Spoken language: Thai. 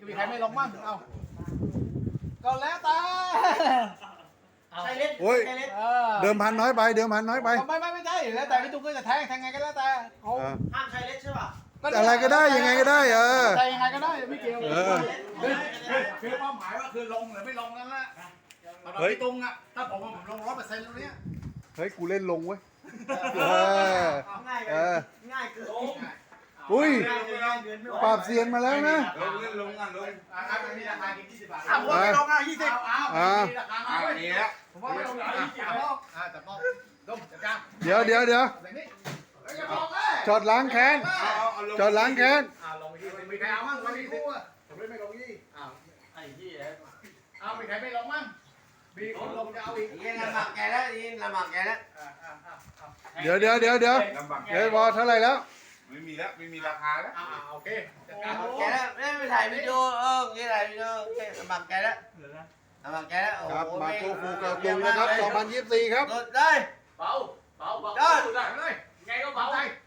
มีใครไม่ลงมั่งเอาก็แล้วแต่ใครเล่นโอ้ยใครเล่นเดิมพันน้อยไปเดิมพันน้อยไปไม่ใช่แล้วแต่พี่ตุ้มก็จะแทงไงก็แล้วแต่เขาห้ามใครเล่นใช่ป่ะอะไรก็ได้ยังไงก็ได้แทงยังไงก็ได้ไม่เกี่ยวคือเป้าหมายว่าคือลงหรือไม่ลงนั่นแหละพี่ตุ้งอ่ะถ้าผมลง100%ตรงนี้เฮ้ยกูเล่นลงเว้ยง่ายเออง่ายเกินอุ้ยง่ายเกินไม่ไหวปราบเซียนมาแล้วนะลงเล่นลงอ่ะลงมีราคากิน20 บาทผมไม่ลงอ่ะ20 มีราคามาวันนี้แล้วผมว่าไม่ลง20 บาทแต่ต้องลงจัดการเดี๋ยวช็อตล้างแค้นช็อตล้างแค้นลงไปที่มีใครเอามั่งไม่มีคู่อ่ะผมไม่ลงยี่ไอ้ที่เอามีใครไม่ลงมั่งมีคนลงจะเอาอีกยิงลำบากแกแล้วยิงลำบากแกแล้วเดี๋ยวบอลเท่าไหร่แล้วไม่มีแล้วไม่มีราคาแล้วโอเคจัดการแกแล้วไม่ถ่ายวิดีโอไม่ถ่ายวิดีโอลำบากแกแล้วลำบากแกแล้วโอ้ครับโหมาโกฟูกระตุงนะครับ2024ครับกดได้เบาได้เลยไงก็เบาได้